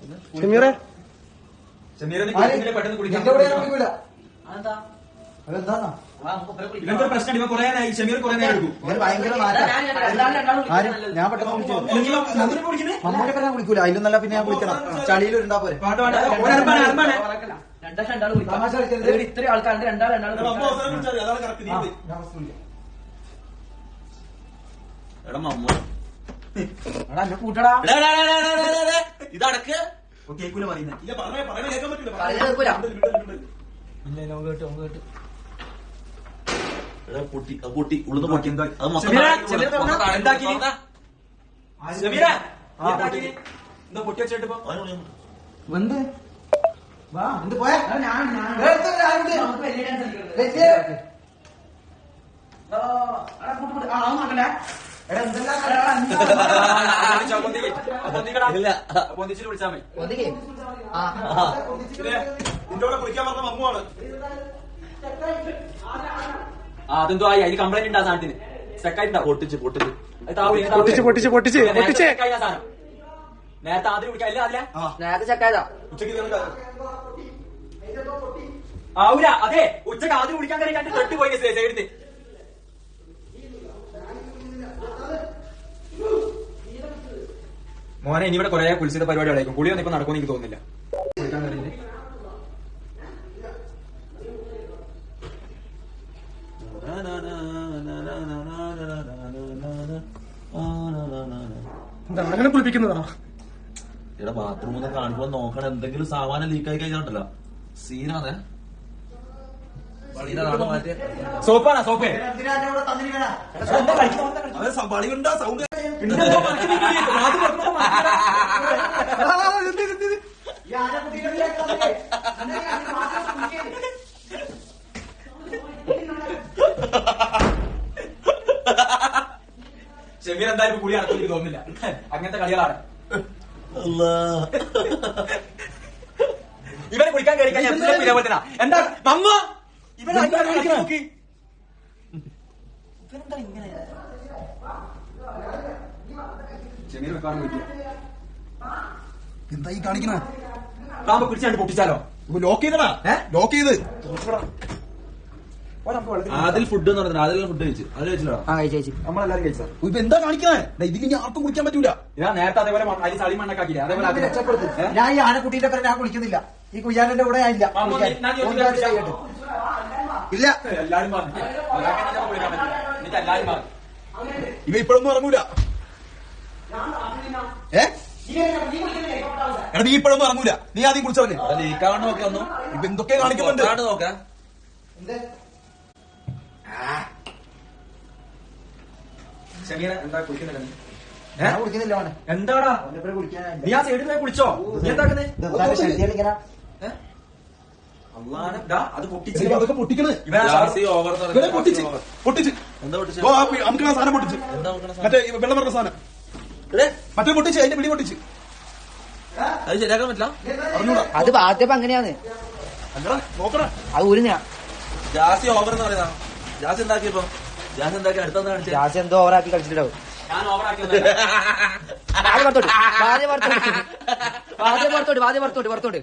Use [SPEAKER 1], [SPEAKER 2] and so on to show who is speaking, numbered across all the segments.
[SPEAKER 1] ഷമീറെ
[SPEAKER 2] പെട്ടെന്ന് കുളിക്കാൻ
[SPEAKER 3] ഇവന്റെ പ്രശ്നം ഇവ കുറെ ഷമീർ കുറെ നേരം എടുക്കും.
[SPEAKER 2] ഭയങ്കര ഞാൻ പെട്ടെന്ന് മമ്മൂടെ ഞാൻ കുളിക്കൂല. അതിലും നല്ല പിന്നെ ഞാൻ കുളിക്കണം. ചളിയിൽ ഉണ്ടാ പോരെ.
[SPEAKER 4] ഇത്രയും ആൾക്കാരുണ്ട് രണ്ടാൾ കൂട്ടടാ
[SPEAKER 3] ഇതടക്ക് കേൾക്കൂല പറയുന്നത്. പൊട്ടി ഉള്ളത് പൊട്ടി എന്താ പൊട്ടി വെച്ചിട്ട്
[SPEAKER 2] വന്ന് വാ എന്ത് പോയാ
[SPEAKER 3] പൊന്തിച്ചിട്ട് വിളിച്ചാൽ മതി.
[SPEAKER 1] നിന്റെ കുളിക്കാൻ പറഞ്ഞ മമ്മുവാണ്.
[SPEAKER 3] അതെന്തോ ആയി അതിന് കംപ്ലൈന്റ് ഉണ്ട്. ആ സാധനത്തിന് സെക്കായിട്ടുണ്ടാവും. പൊട്ടിച്ച് നേരത്തെ ആദ്യം കുടിക്കാല്ല.
[SPEAKER 4] നേരത്തെ ചെക്കായതാ
[SPEAKER 3] ആവൂല. അതെ ഉച്ചക്ക് ആദ്യം കുടിക്കാൻ കയറി കണ്ട് തൊട്ട് പോയി സൈഡിന്. മോനെ ഇനി ഇവിടെ കുറെ കുളിച്ചിട്ട് പരിപാടികളായിരിക്കും. കുളിയൊന്നും ഇപ്പൊ നടക്കുമെന്ന് എനിക്ക് തോന്നുന്നില്ല.
[SPEAKER 1] അങ്ങനെ കുളിപ്പിക്കുന്നതാണോ?
[SPEAKER 5] ഇവിടെ ബാത്റൂമിൽ കാണുമ്പോ നോക്കണം. എന്തെങ്കിലും സാമാനം ലീക്കായി കഴിഞ്ഞാണ്ടല്ലോ സീനാണ്.
[SPEAKER 3] സോപ്പാണോ? സോപ്പേ
[SPEAKER 5] സൗണ്ട്
[SPEAKER 3] ഷമീർ എന്തായാലും കുളി നടക്കും എനിക്ക് തോന്നുന്നില്ല. അങ്ങനത്തെ കളികളാണ്. ഇവരെ കുളിക്കാൻ കയറി കഴിഞ്ഞാൽ ഇതേപോലെ തന്നെ. എന്താ മമ്മ ഇവരെന്താ നോക്കി ഇവരെന്താ ഇങ്ങനെ ഷമീർ വെക്കാനും പറ്റില്ല.
[SPEAKER 2] എന്താ ഈ കാണിക്കണ?
[SPEAKER 3] താമ്പ പിടിച്ചാണ്ട് പൊട്ടിച്ചാലോ?
[SPEAKER 5] ലോക്ക് ചെയ്തടാ. ലോക്ക് ചെയ്ത് അതിൽ ഫുഡ് എന്ന് പറഞ്ഞാൽ അതിൽ ഫുഡ് കഴിച്ചു. അത് കഴിച്ചില്ല
[SPEAKER 3] നമ്മളെല്ലാരും കഴിച്ചാ.
[SPEAKER 5] ഇപ്പൊ എന്താ കാണിക്കണേ? ഇതിന് ആർക്കും കുളിക്കാൻ പറ്റൂല.
[SPEAKER 3] ഇതാ നേരത്തെ അതേപോലെ അതിൽ ചളി മണ്ണാക്കിയില്ല. അതേപോലെ
[SPEAKER 2] ഞാൻ ഈ ആനക്കുട്ടീന്റെ പേരെ ഞാൻ കുളിക്കുന്നില്ല. ഈ കുയ്യാനന്റെ കൂടെ ഞാൻ ഇല്ല. ഇല്ല
[SPEAKER 3] എല്ലാരും പറഞ്ഞു എനിക്ക് എല്ലാരും പറഞ്ഞു.
[SPEAKER 5] ഇവ ഇപ്പോഴൊന്നും ഇറങ്ങൂല. നീ ഇപ്പോഴൊന്നും ഇറങ്ങൂല. നീ ആദ്യം കുളിച്ചവനെ ലീക്കാവണ്ട നോക്കി വന്നു. ഇപ്പൊ എന്തൊക്കെ കാണിക്കുന്നുണ്ട് നോക്കാം.
[SPEAKER 3] ഷമീർ എന്താ കുളിക്കുന്നില്ല?
[SPEAKER 2] ഞാൻ കുളിക്കുന്നില്ല മോനെ.
[SPEAKER 3] എന്താടാ നീ ആ സൈഡിൽ പോയി കുളിച്ചോ? നീ എന്താക്കുന്നേ? അത് പൊട്ടിച്ച്
[SPEAKER 5] അതൊക്കെ പൊട്ടിക്കണേ. പൊട്ടിച്ച് നമുക്ക് ആ സാധനം പൊട്ടിച്ച് മറ്റേ വെള്ളം പറഞ്ഞ സാധനം മറ്റേ പൊട്ടിച്ച് അതിന്റെ പിടി പൊട്ടിച്ച് അത് ശരിയാക്കാൻ പറ്റില്ല.
[SPEAKER 4] അത് ആദ്യം അങ്ങനെയാന്ന്
[SPEAKER 5] നോക്കണേ.
[SPEAKER 4] അത് ഊരിഞ്ഞ
[SPEAKER 5] ജാസി ഓവർ എന്ന് പറയുന്ന ജാസ് ഉണ്ടാക്കിയപ്പോ ജാസ് ഉണ്ടാക്കി അടുത്തെന്താ കാണിച്ചത്?
[SPEAKER 4] ജാസ് എന്തോ ഓവറാക്കി കളിച്ചിട്ടുണ്ടാവും.
[SPEAKER 3] ഞാൻ ഓവറാക്കി
[SPEAKER 4] പുറത്തോട്ട്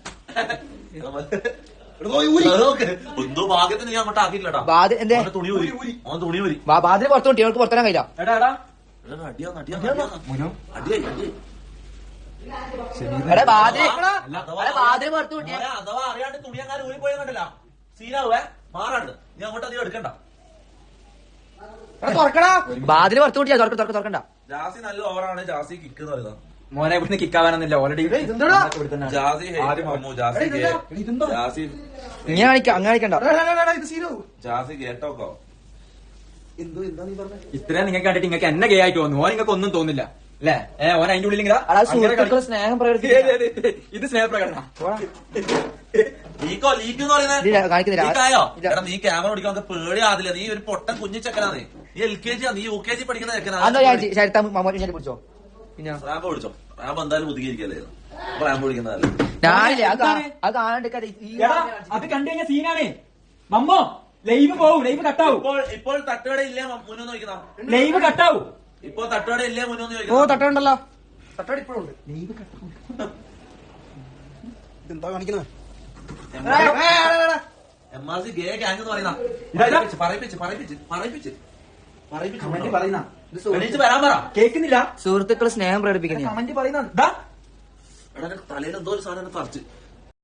[SPEAKER 5] എന്തോ ഭാഗ്യത്തിന് ഞാൻ അങ്ങോട്ട് ആക്കിയില്ലടാ. തുണി ഊരി അവൻ തുണി ഊരി
[SPEAKER 4] ബാധ്യത പുറത്തോട്ട് ഇവർക്ക് പുറത്തിടാൻ കഴിയില്ല.
[SPEAKER 5] അഥവാ അറിയാണ്ട് തുണി അങ്ങനെ ഊരി പോയി കണ്ടില്ല സീനാവേ മാറാണ്ട്. നീ അങ്ങോട്ട് അധികം എടുക്കണ്ട.
[SPEAKER 4] ബാധ്യത പുറത്തു കൂട്ടിയാ തുറക്കണ്ട.
[SPEAKER 5] ജാസി നല്ല ഓവറാണ്. ജാസി കിക്ക് എന്ന് പറയുന്നത്.
[SPEAKER 3] മോനെ ഇവിടുന്ന് കിക്കാവാനൊന്നുമില്ല. ഓൾറെഡി
[SPEAKER 5] ജാസി ജാസി
[SPEAKER 4] ഇങ്ങനെ കാണിക്കണ്ട.
[SPEAKER 5] ജാസി കേട്ടോക്കോ.
[SPEAKER 3] ഇത്രയും നിങ്ങൾക്ക് കണ്ടിട്ട് നിങ്ങൾക്ക് എന്നെ ഗേ ആയിട്ട് തോന്നുന്നു. ഓൻ നിങ്ങൾക്ക് ഒന്നും തോന്നില്ല അല്ലേ? ഓൻ അതിന്റെ ഉള്ളിൽ
[SPEAKER 4] സ്നേഹം
[SPEAKER 3] ഇത് സ്നേഹപ്രകടന.
[SPEAKER 5] ലീക്കോ ലീക്ക് എന്ന് പറയുന്നത് നീ ക്യാമറ ഓടിക്കാൻ പേടിയാതില്ല. നീ ഒരു പൊട്ടൻ കുഞ്ഞിച്ചക്കനാണ്. നീ LKG നീ UKG പഠിക്കുന്ന ചെക്കനാണ്.
[SPEAKER 4] പിടിച്ചോ. പിന്നെ
[SPEAKER 5] റാമ്പ് പിടിച്ചോ. റാമ്പ് എന്തായാലും ഒതുക്കിയിരിക്കല്ലേ. റാമ്പ് പിടിക്കുന്നതല്ലേ.
[SPEAKER 3] അത് കണ്ടു കഴിഞ്ഞാൽ സീനാണ്. മമ്മോ ലൈവ് പോവും. ലൈവ് കട്ടാവും.
[SPEAKER 5] ഇപ്പോൾ തട്ടുകട ഇല്ലേ മുന്നോന്ന് ചോദിക്കുന്ന
[SPEAKER 3] ലൈവ് കട്ടാവും.
[SPEAKER 5] ഇപ്പോൾ തട്ടുകട ഇല്ലേ മുന്നോന്ന്
[SPEAKER 4] ഓ തട്ടുണ്ടല്ലോ.
[SPEAKER 2] തട്ടടി ഇപ്പോഴുണ്ട്. എന്താ കാണിക്കുന്നത്?
[SPEAKER 5] MRC ഗേ ഗ്യാങ് എന്ന് പറയുന്ന പറയിപ്പിച്ച്
[SPEAKER 3] കമന്റ് പറയുന്ന
[SPEAKER 5] എണീച്ച് വരാൻ പറ.
[SPEAKER 3] കേൾക്കുന്നില്ല.
[SPEAKER 4] സുഹൃത്തുക്കൾ സ്നേഹം പ്രകടിപ്പിക്കുന്ന
[SPEAKER 3] കമന്റ് പറയുന്ന
[SPEAKER 5] തലയിൽ എന്തോ ഒരു സാധനം തറച്ച്